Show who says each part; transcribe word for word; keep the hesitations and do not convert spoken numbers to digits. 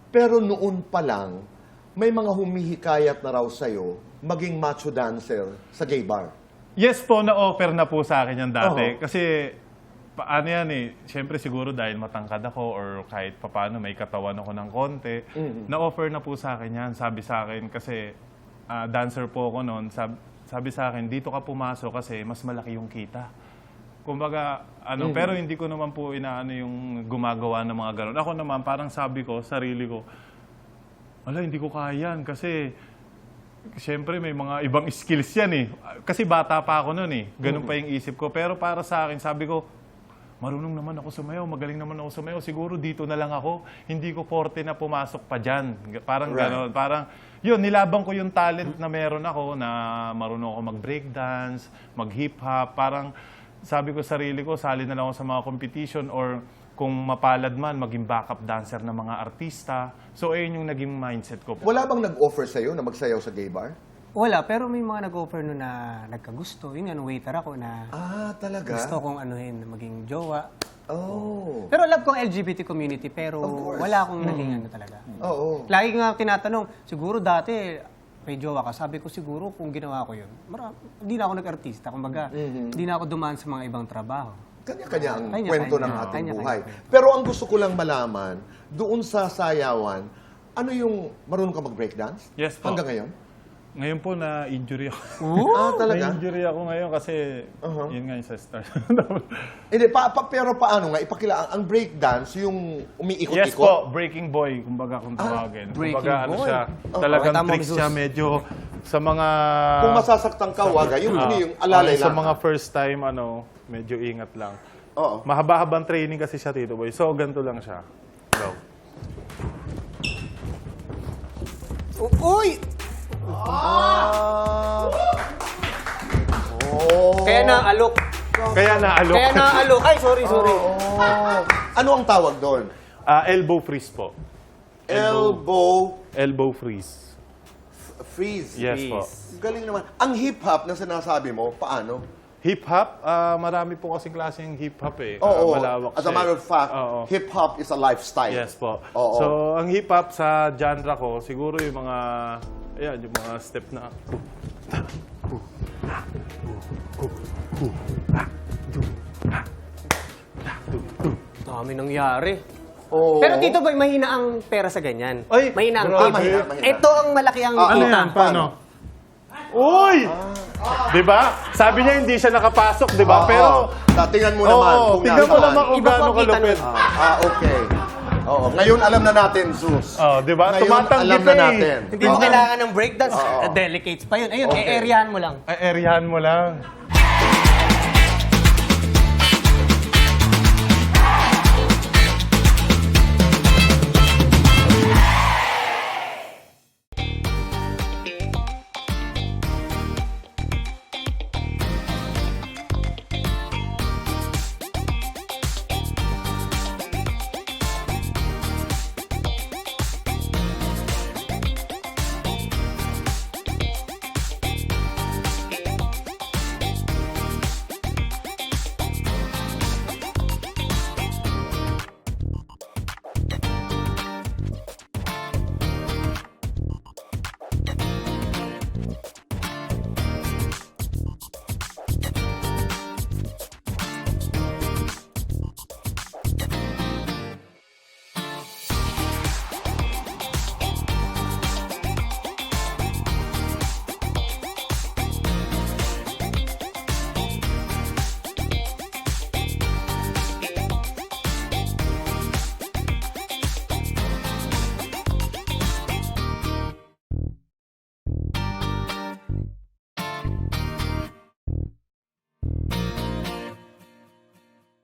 Speaker 1: Pero noon pa lang, may mga humihikayat na raw sa'yo maging macho dancer sa gay bar.
Speaker 2: Yes po, na-offer na po sa akin yan dati.
Speaker 1: Oo.
Speaker 2: Kasi, paano yan eh, siyempre siguro dahil matangkad ako or kahit papaano may katawan ako ng konti,
Speaker 1: Mm-hmm.
Speaker 2: na-offer na po sa akin yan. Sabi sa akin, kasi ah, dancer po ako noon, sab sabi sa akin, dito ka pumasok kasi mas malaki yung kita. Kumbaga, ano, pero hindi ko naman po inaano yung gumagawa ng mga ganun. Ako naman, parang sabi ko, sarili ko, ala, hindi ko kaya yan kasi siyempre may mga ibang skills yan eh. Kasi bata pa ako noon eh. Ganun pa yung isip ko. Pero para sa akin, sabi ko, marunong naman ako sumayaw, magaling naman ako sumayaw. Siguro dito na lang ako. Hindi ko forte na pumasok pa dyan. Parang
Speaker 1: Right.
Speaker 2: gano'n. Parang, yun, nilabang ko yung talent na meron ako na marunong ako mag-breakdance, mag-hip-hop. Parang sabi ko sarili ko, sali na lang ako sa mga competition or kung mapalad man, maging backup dancer ng mga artista. So, ayun yung naging mindset ko.
Speaker 1: Wala bang nag-offer sa'yo na magsayaw sa gay bar?
Speaker 3: Wala, pero may mga nag-offer nun na nagkagusto. Yun nga, waiter ako na
Speaker 1: Ah, talaga?
Speaker 3: gusto kong anuhin, maging jowa.
Speaker 1: Oh.
Speaker 3: Pero love ko ang L G B T community, pero
Speaker 1: Of course.
Speaker 3: wala akong naging ano talaga.
Speaker 1: Oo.
Speaker 3: Lagi nga tinatanong, siguro dati may jowa ka. Sabi ko siguro kung ginawa ko yun, mara, hindi na ako nag-artista. Kumbaga, hindi na ako dumaan sa mga ibang trabaho.
Speaker 1: Kanya-kanya ang
Speaker 3: Kanya-kanya.
Speaker 1: kwento ng ating
Speaker 3: Kanya-kanya
Speaker 1: buhay.
Speaker 3: kwento.
Speaker 1: Pero ang gusto ko lang malaman, doon sa sayawan, ano yung marunong ka mag-breakdance?
Speaker 2: Yes po.
Speaker 1: Hanggang ngayon?
Speaker 2: Ngayon po na-injury ako.
Speaker 1: Ah, talaga?
Speaker 2: Na-injury ako ngayon kasi
Speaker 1: Uh-huh.
Speaker 2: yun nga yung sa star.
Speaker 1: Hindi, pa, pa, pero paano nga? Ipakila, ang breakdance, yung umiikot-ikot?
Speaker 2: Yes po, breaking boy, kumbaga kung tawagin.
Speaker 3: breaking
Speaker 2: kumbaga, ano
Speaker 3: boy.
Speaker 2: siya,
Speaker 1: Oh,
Speaker 2: talagang
Speaker 3: tama,
Speaker 2: tricks
Speaker 3: Jesus.
Speaker 2: siya medyo sa mga...
Speaker 1: Kung masasaktan ka, wag. Yung,
Speaker 2: Ah,
Speaker 1: yung alalay
Speaker 2: ah, Sa
Speaker 1: lang.
Speaker 2: mga first time, ano, medyo ingat lang.
Speaker 1: Oo.
Speaker 2: Mahaba-habang training kasi siya, Tito Boy. So, ganito lang siya. Go.
Speaker 3: Uy!
Speaker 1: Ah. Oh.
Speaker 3: Kaya naalok.
Speaker 2: Kaya naalok.
Speaker 3: Kaya naalok. Ay, sorry, sorry.
Speaker 1: Oh. Ano ang tawag doon?
Speaker 2: Ah, elbow freeze po.
Speaker 1: Elbow
Speaker 2: Elbow freeze.
Speaker 1: freeze.
Speaker 2: Yes po.
Speaker 1: Galing naman. Ang hip-hop na sinasabi mo, paano?
Speaker 2: Hip-hop, ah, marami po kasing klaseng hip-hop eh. Ah,
Speaker 1: Oo.
Speaker 2: malawak
Speaker 1: As a
Speaker 2: siya
Speaker 1: matter
Speaker 2: eh.
Speaker 1: of fact,
Speaker 2: Oo.
Speaker 1: hip-hop is a lifestyle.
Speaker 2: Yes po.
Speaker 1: Oo.
Speaker 2: So, ang hip-hop sa genre ko, siguro yung mga, ayan, yung mga step na,
Speaker 3: Dami nangyari.
Speaker 1: Oo.
Speaker 3: Pero Tito Boy, mahina ang pera sa ganyan.
Speaker 2: Ay,
Speaker 3: mahina ang
Speaker 2: grabe.
Speaker 3: tip.
Speaker 1: Mahina, mahina.
Speaker 3: Ito ang malaki ang
Speaker 1: Ah,
Speaker 2: ano
Speaker 3: kita.
Speaker 2: yan? Paano? Uy! Di ba? Sabi niya hindi siya nakapasok, di ba?
Speaker 1: Oo.
Speaker 2: Pero,
Speaker 1: Tatingnan mo naman.
Speaker 2: oo,
Speaker 1: kung
Speaker 2: tingnan mo
Speaker 1: nasaan.
Speaker 2: naman kung
Speaker 3: Iba po
Speaker 2: gaano
Speaker 3: ang kita
Speaker 2: kalupit.
Speaker 3: nun.
Speaker 1: Ah, ah, okay. Oo. Ngayon alam na natin, Sus.
Speaker 2: Oh, di ba?
Speaker 1: Ngayon
Speaker 2: Tumatanggi
Speaker 1: alam
Speaker 2: ka
Speaker 1: na
Speaker 2: eh.
Speaker 1: natin.
Speaker 3: Hindi mo
Speaker 1: Oo.
Speaker 3: kailangan ng breakdance.
Speaker 1: Oo.
Speaker 3: Delicates pa yun. Ayun,
Speaker 1: Okay.
Speaker 3: e-areahan mo lang.
Speaker 2: Ay, areahan mo lang.